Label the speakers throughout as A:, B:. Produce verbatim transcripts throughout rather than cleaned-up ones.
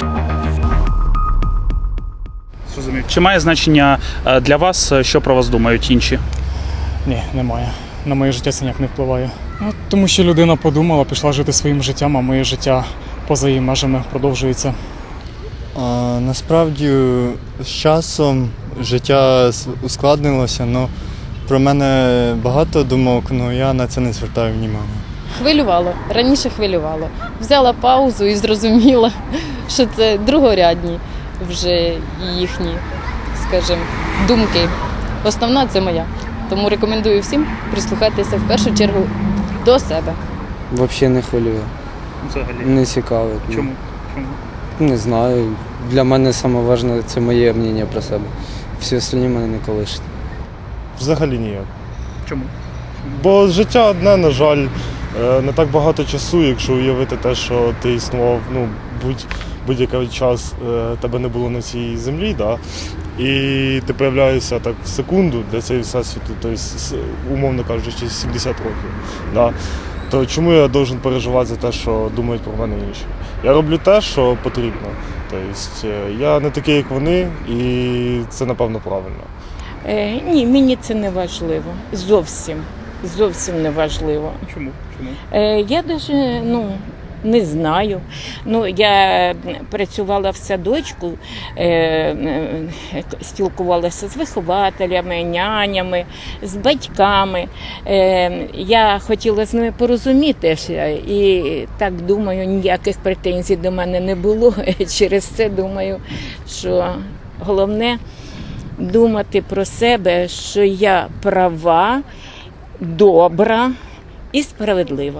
A: Чи має значення для вас, що про вас думають інші?
B: Ні, немає. На моє життя це ніяк не впливає. Ну, тому що людина подумала, пішла жити своїм життям, а моє життя поза її межами продовжується.
C: А, насправді з часом життя ускладнилося, але про мене багато думок, але я на це не звертаю уваги.
D: Хвилювало, раніше хвилювало. Взяла паузу і зрозуміла, що це другорядні вже їхні, скажімо, думки. Основна – це моя. Тому рекомендую всім прислухатися в першу чергу до себе.
E: Взагалі не хвилює.
A: Взагалі.
E: Не цікавить.
A: Чому? Чому?
E: Не знаю. Для мене найважливіше – це моє мнення про себе. Всі остальні мене не колишуть.
F: Взагалі ніяк.
A: Чому?
F: Бо життя одне, на жаль, не так багато часу, якщо уявити те, що ти існував, ну, будь, будь-який час тебе не було на цій землі, да? І ти появляєшся так в секунду для цієї всесвіту, тобто, умовно кажучи, сімдесят років. Да? То чому я повинен переживати за те, що думають про мене інші? Я роблю те, що потрібно. Тобто, я не такий, як вони, і це, напевно, правильно.
G: Е, ні, мені це не важливо. Зовсім. Зовсім не важливо.
A: Чому? Чому?
G: Е, я навіть, ну, не знаю. Ну, я працювала в садочку, е, е, спілкувалася з вихователями, нянями, з батьками. Е, я хотіла з ними порозумітися і так думаю, ніяких претензій до мене не було. Через це думаю, що головне думати про себе, що я права, добра і справедлива.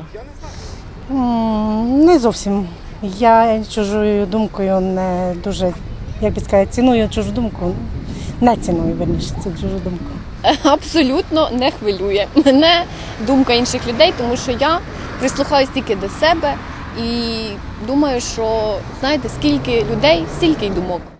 H: Не зовсім. Я чужою думкою не дуже, як би сказати, ціную чужу думку. Не ціную, верніше, цю чужу думку.
D: Абсолютно не хвилює мене думка інших людей, тому що я прислухаюсь тільки до себе і думаю, що, знаєте, скільки людей, стільки й думок.